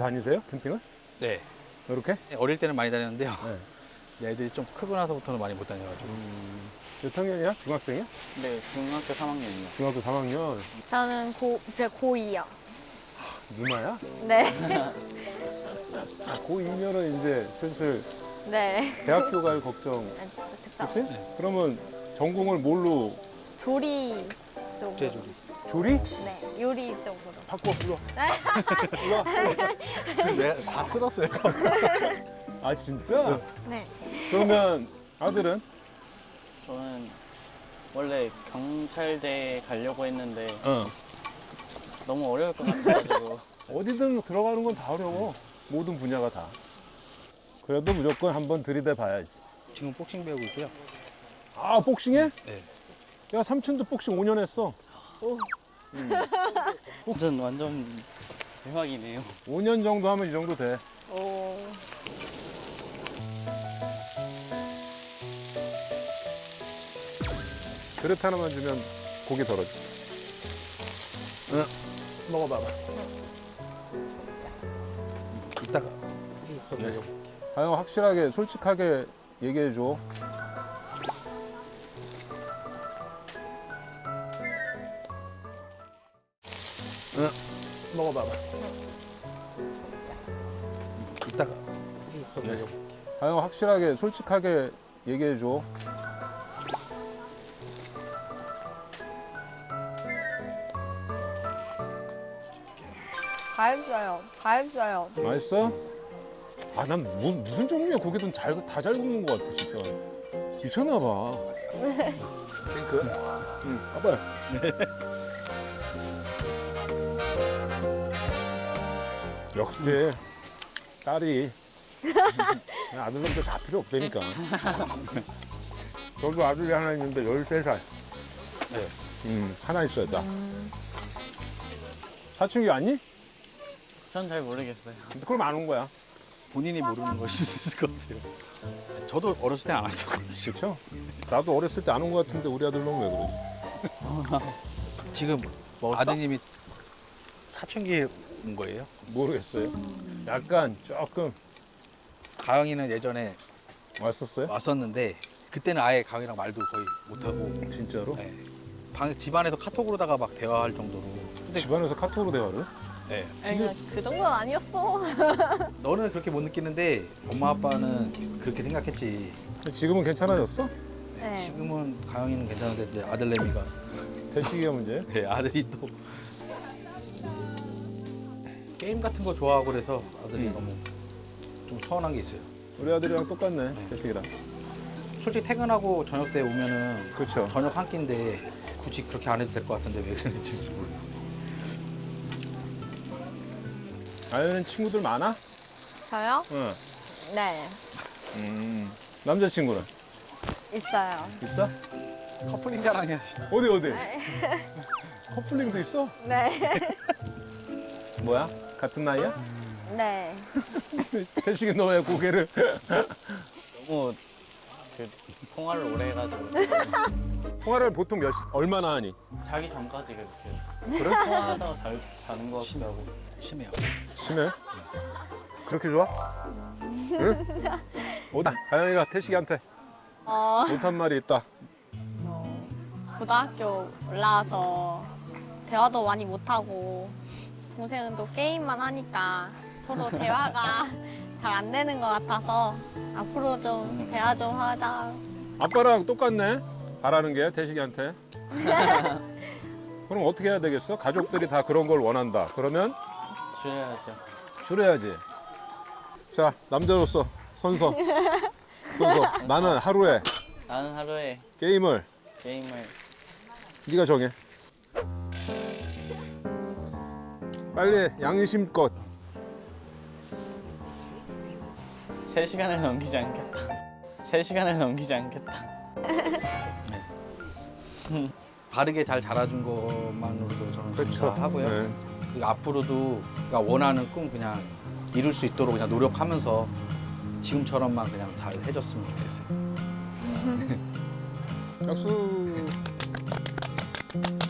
다니세요? 캠핑을? 네. 이렇게? 어릴 때는 많이 다녔는데요. 네. 애들이 좀 크고 나서부터는 많이 못 다녀가지고. 몇 학년이야? 중학생이야? 네, 중학교 3학년이요. 중학교 3학년. 저는 이제 고2요. 누나야? 네. 고2면은 이제 슬슬 네. 대학교 갈 걱정. 그쵸. 그치? 그러면 전공을 뭘로? 조리 쪽으로. 국제조리. 조리? 네, 요리 쪽으로. 바꿔 불러. 내가 다 쓸었어요. 아 진짜? 네. 그러면 아들은? 저는 원래 경찰대 가려고 했는데 너무 어려울 것 같아가지고 어디든 들어가는 건 다 어려워. 모든 분야가 다. 그래도 무조건 한번 들이대 봐야지. 지금 복싱 배우고 있고요. 아 복싱해? 네. 야 삼촌도 복싱 5년 했어. 완전 대박이네요. 5년 정도 하면 이 정도 돼. 오. 그릇 하나만 주면 고기 덜어줘. 응. 먹어봐봐. 이따가. 네. 다영 확실하게 솔직하게 얘기해줘. 응. 먹어봐봐. 이따가. 네. 다영 확실하게 솔직하게 얘기해줘. 다 했어요. 다 했어요. 맛있어? 아, 난 무슨 종류의 고기든 다 잘 굽는 것 같아, 진짜. 미쳤나 봐. 핑크? 응, 아빠야. 역시 딸이 그냥 아들놈들 다 필요 없다니까. 저도 아들이 하나 있는데 13살. 네. 하나 있어야 다. 사춘기 왔니? 전 잘 모르겠어요. 그럼 안 온 거야. 본인이 모르는 걸 수도 있을 것 같아요. 저도 어렸을 때 안 왔었거든요. 그렇죠? 나도 어렸을 때 안 온 거 같은데 우리 아들놈 왜 그러지? 지금 아드님이 사춘기에 온 거예요? 모르겠어요. 약간 조금 가영이는 예전에 왔었어요? 왔었는데 그때는 아예 가영이랑 말도 거의 못하고 진짜로? 네. 집안에서 카톡으로다가 막 대화할 정도로. 근데 집안에서 카톡으로 대화를? 네. 아니, 그 정도는 아니었어. 너는 그렇게 못 느끼는데 엄마 아빠는 그렇게 생각했지. 근데 지금은 괜찮아졌어? 네. 지금은 가영이는 괜찮은데 이제 아들내미가 대식이가 문제? 네, 아들이 또 게임 같은 거 좋아하고 그래서 아들이 너무 좀 서운한 게 있어요. 우리 아들이랑 똑같네, 대식이랑. 솔직히 퇴근하고 저녁 때 오면은 그렇죠. 저녁 한 끼인데 굳이 그렇게 안 해도 될 것 같은데 왜 그랬는지 모르겠어요. 아연은 친구들 많아? 저요? 응. 네. 남자친구는? 있어요. 있어? 커플링 자랑이야. 어디? 커플링도 있어? 네. 뭐야? 같은 나이야? 네. 대식이 너 왜 고개를? 너무 그 통화를 오래 해가지고 통화를 보통 얼마나 하니? 자기 전까지 그렇게 통화하다가 자는 것 같기도 하고. 심해요. 심해? 그렇게 좋아? 응? 어디? 가영이가 태식이한테 못한 말이 있다. 고등학교 올라와서 대화도 많이 못하고 동생은 또 게임만 하니까 서로 대화가 잘 안 되는 것 같아서 앞으로 좀 대화 좀 하자. 아빠랑 똑같네. 바라는 게 태식이한테. 그럼 어떻게 해야 되겠어? 가족들이 다 그런 걸 원한다. 그러면 줄여야죠. 줄여야지. 자, 남자로서 선서. 나는 하루에 나는 하루에 게임을 게임을 네가 정해. 빨리 양심껏. 3시간을 넘기지 않겠다. 3시간을 넘기지 않겠다. 바르게 잘 자라준 것만으로도 저는 그렇죠. 감사하고요. 네. 그리고 앞으로도 그러니까 원하는 꿈 그냥 이룰 수 있도록 그냥 노력하면서 지금처럼만 그냥 잘 해줬으면 좋겠어요. 약수.